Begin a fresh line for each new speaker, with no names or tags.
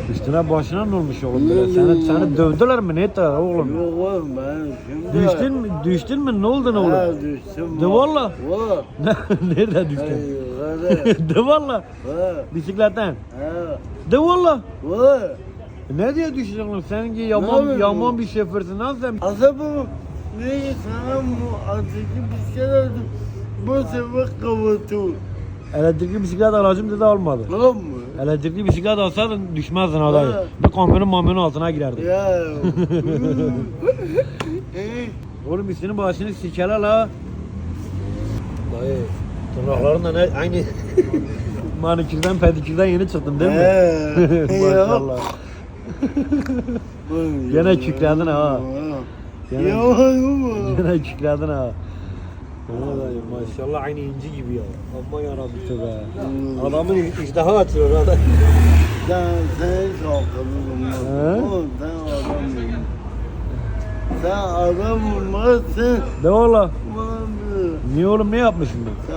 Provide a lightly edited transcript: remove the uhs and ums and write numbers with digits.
Üstüne başına ne olmuş oğlum böyle? Seni dövdüler mi? Ne ettiler oğlum?
Yok oğlum ben şimdi...
Düştün mü? Ne oldun oğlum?
Ha düştüm.
De valla.
Valla.
Nerede düştün?
Hayır.
De valla.
Ha.
Bisikletten.
Ha.
De valla.
Valla.
Ne diye düştün oğlum? Sen ki
Ne
yaman
yapıyorsun?
bir şoförsün lan sen.
Azabım. Ne sana bu azıcık bir şey oldu. Bu sefer kavutu.
Elektrikli bisiklet alacağım dedi almadı.
Tamam mı?
Elektrikli bisiklet alsaydın düşmezdin adayı.
Ha.
Bir kamyonun altına girerdin.
Ya.
Oğlum üstünün başını sikeler la. Dayı tırnaklarınla ne aynı manikürden pedikürden yeni çıktın değil mi? Maşallah. Gene kükredin ha. Gene, gene kükredin ha. Dayı maşallah aynı inci gibi ya. Amma yarabbim be. Adamın iştahı açıyor adam.
Sen kalkalım.
He?
Sen adam olmazsın.
De valla.
Bana bir.
Niye oğlum ne yapmışım ben?